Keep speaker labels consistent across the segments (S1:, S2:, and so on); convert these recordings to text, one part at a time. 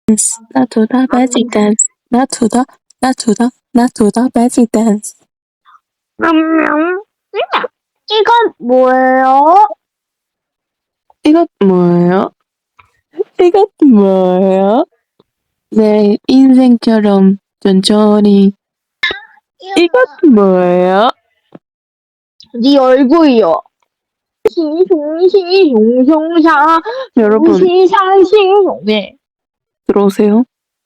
S1: Not to the magic dance. Not to the magic dance.
S2: 이건 뭐예요?
S1: 이것 뭐예요? 이것 뭐예요? 내 인생처럼 천천히. 이것 뭐예요?
S2: 네 얼굴이요. 시송시송송사
S1: 여러분
S2: 시상시송 네
S1: 들어오세요.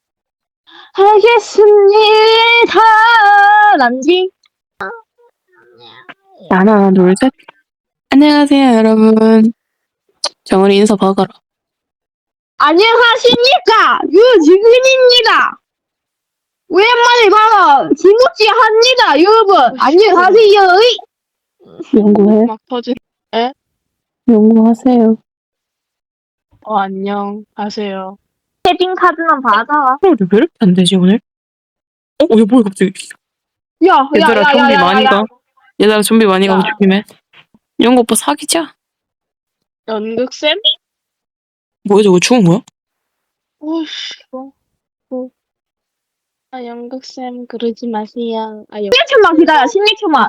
S2: 하겠습니다. 남지
S1: 하나 둘 셋. 안녕하세요 여러분. 정은이 인사 박아라.
S2: 안녕하십니까 유지근입니다. 오랜만에 봐라 김우찌 합니다 여러분. 안녕하세요.
S1: 연구해.
S3: 막 터진.
S1: 연구하세요.
S3: 안녕하세요.
S2: 세빙 카드만 받아.
S1: 왜 이렇게 안 되지 오늘? 야 뭐야 갑자기. 얘들아 좀비 많이 가. 얘들아 좀비 많이 가고 조심해. 연구 오빠 사귀자.
S3: 연극쌤?
S1: 뭐야 저거 죽은 거야?
S3: 오씨, 연극쌤, 그러지 마세요.
S2: 16초만 기다려. 16초만.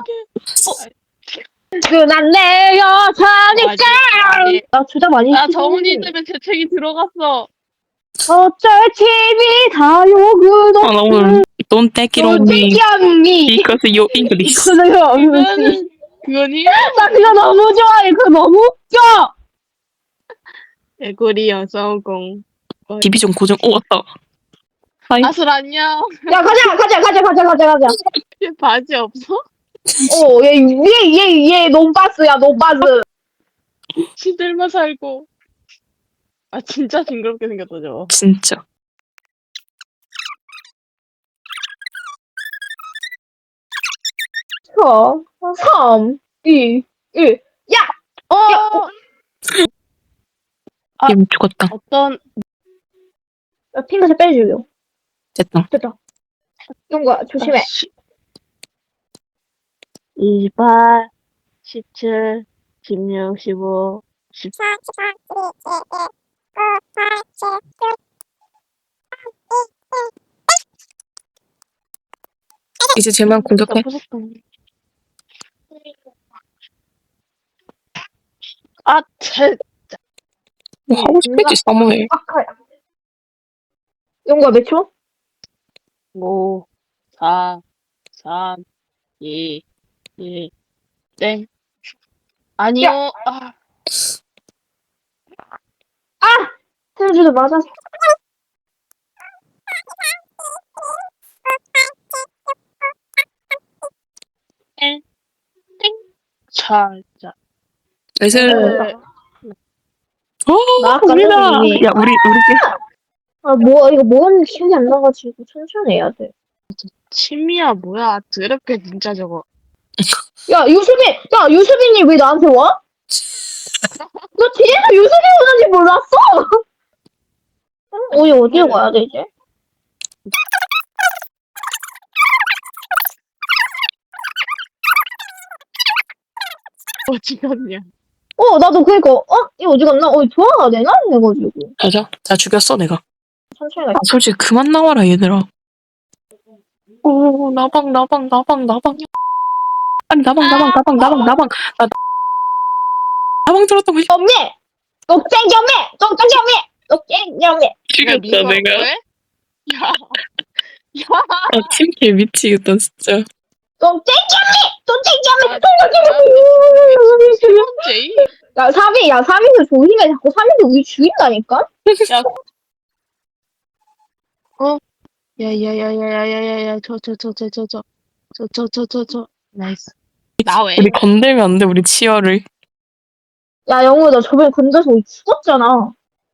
S2: 난 내 여자니까. 나 주작 많이
S3: 나
S2: 시키지.
S3: 정훈이 때문에 재채기 들어갔어.
S2: 어쩔 TV 다요 구독.
S1: 나 오늘 Don't take it on me
S2: 미
S1: because you English.
S3: 그거니?
S2: 나 그거 너무 좋아해. 그거 너무 웃겨.
S3: 개구리 여성공.
S1: 디비전 고정. 왔다. 하이.
S3: 아슬 안녕.
S2: 야 가자.
S3: 얘 바지 없어?
S2: 얘 논바스야 논바스.
S3: 시들만 살고. 아 진짜 징그럽게 생겼다 저거.
S1: 진짜.
S2: 3, 2, 1. 야.
S1: 얘 죽었다.
S3: 어떤
S2: 핑크색 빼주려.
S1: 됐다.
S2: 이런 거야. 조심해.
S3: 28, 17, 16, 15, 14.
S1: 이제 쟤만 공격해.
S3: 아, 쟤.
S1: 뭐 하고 싶겠지 사모해.
S2: 이런 거야 몇 초?
S3: 5, 4, 3, 2, 1, 땡. 아니요.
S2: 테레주도 맞아서.
S3: 땡. 자.
S1: 나이스.
S2: 나 아까
S1: 우리다.
S2: 이미.
S1: 야 우리
S2: 이거 뭐였는지 기억이 안 나가지고 천천히 해야 돼.
S3: 침이야, 뭐야. 더럽게, 진짜 저거.
S2: 유수빈이 왜 나한테 와? 너 뒤에서 유수빈 오는지 몰랐어? 우리 어디에 가야 돼, 이제?
S3: 어디 갔냐.
S2: 나도 이거 어디 갔나? 돌아가야 되나? 해가지고.
S1: 맞아. 다 죽였어 내가.
S2: 천천히 가.
S1: 솔직히 그만 나와라 얘들아. 오 나방. 아니 나방. 나 나방 들었다고.
S2: 엄매! 녹쟁점매!
S1: 죽였다 내가.
S3: 왜? 야.
S1: 아 팀킬 미치겠다 진짜.
S2: 녹쟁점매!
S3: 제이?
S2: 야, 3인도 조심해. 자꾸 3인도 우리 죽인다니까?
S3: 야. 야야야야야야야야 저 나이스. 나 왜?
S1: 우리 건들면 안 돼 우리 치열을.
S2: 야, 영우, 나 저번에 건져서 우리 죽었잖아.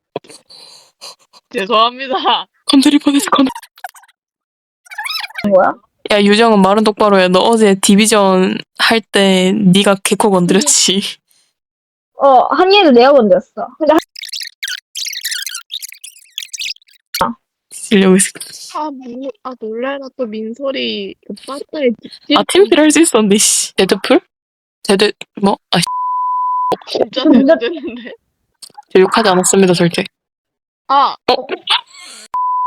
S3: 죄송합니다.
S1: 건드릴 뻔했어.
S2: 뭐야?
S1: 야 유정은 말은 똑바로 해. 너 어제 디비전 할 때 네가 개코 건드렸지.
S2: 한이도 내가 건졌어. 근데
S1: 이러고 있어.
S3: 놀래라 또 민소리 그 빠따에
S1: 아 팀킬 할 수 있었는데 씨. 데드풀? 뭐? 아
S3: 진짜
S2: 진짜-
S3: 됐는데.
S1: 저 욕하지 않았습니다 절대.
S3: 아.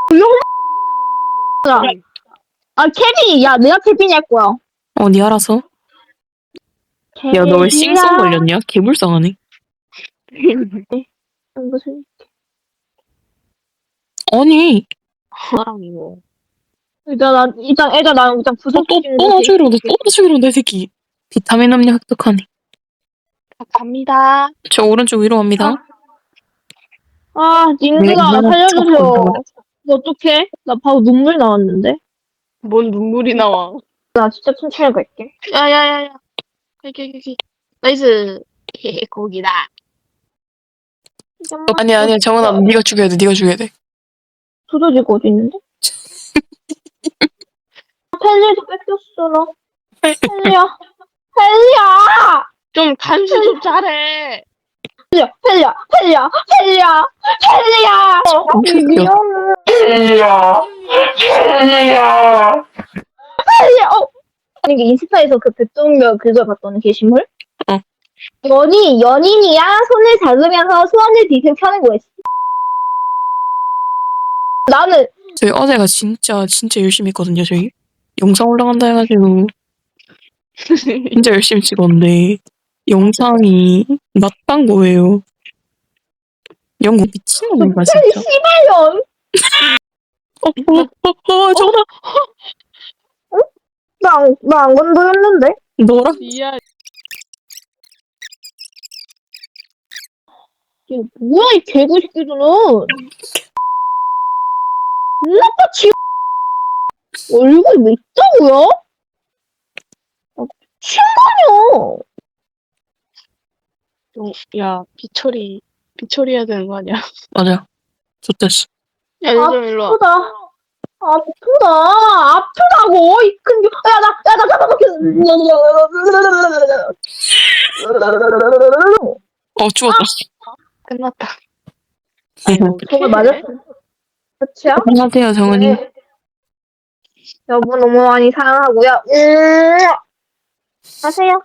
S2: 아, 케빈이, 야, 내가 케빈이 할 거야.
S1: 니 알아서. 야, 너 왜 싱성 걸렸냐? 개불쌍하네.
S2: 무슨,
S1: 아니,
S3: 나랑 이거.
S2: 일단 부족
S1: 또 나중에 이러네, 또 나중에 이러네, 이 새끼. 비타민 음료 획득하네.
S3: 갑니다.
S1: 저 오른쪽 위로 갑니다.
S2: 아, 님들아, 나
S1: 네,
S2: 살려주세요.
S1: 척
S2: 너 어떡해? 나 바로 눈물 나왔는데?
S3: 뭔 눈물이 나와.
S2: 나 진짜 천천히 갈게.
S3: 야야야야. 여기. 나이스. 헤헤 고기다.
S1: 아니야, 정은아, 네가 죽여야 돼, 네가 죽여야 돼.
S2: 두더지가 어디 있는데? 펠리도 뺏겼어, 나. 펠리야.
S3: 좀 간수 좀 잘해.
S2: 펠리야. 미안해. 펠리야. 아니, 이게 인스타에서 그 백종별 그걸 봤더니 게시물?
S1: 어.
S2: 연인이야 손을 잡으면서 소원을 뒤틀 켜는 거였어. 나는
S1: 저희 어제가 진짜 열심히 했거든요, 저희. 영상 올라간다 해가지고 진짜 열심히 찍었는데 영상이 낮단 거예요. 영국 미친놈인가 진짜.
S2: 씨발년.
S1: 전화.
S2: 나안 건드렸는데?
S1: 너랑
S3: 미안.
S2: 이거 뭐야 이 개구새끼들은. 나빠 지 얼굴이 왜 있다고요? 친구요.
S3: 야 비처리 해야 되는 거 아니야?
S1: 맞아. 좋댔어.
S3: 야 일로 와.
S2: 아프다고 이 큰. 야나 잡아먹혔.
S1: 죽었다.
S3: 끝났다.
S2: 손을 맞았어. 그치야?
S1: 안녕하세요, 정은이.
S2: 네. 여보 너무 많이 사랑하고요. 하세요.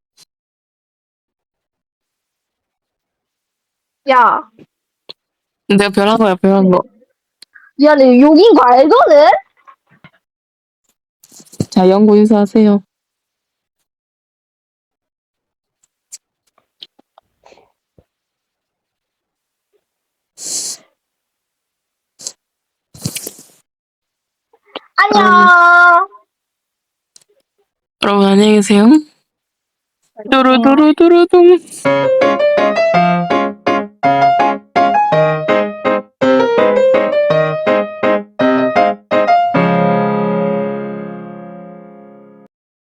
S2: 야,
S1: 내가 별한 거야, 별한 거.
S2: 미안해. 욕인 거 알거든?
S1: 자, 영구 인사하세요.
S2: 안녕.
S1: 여러분 안녕히 계세요. 두루두루두루둥.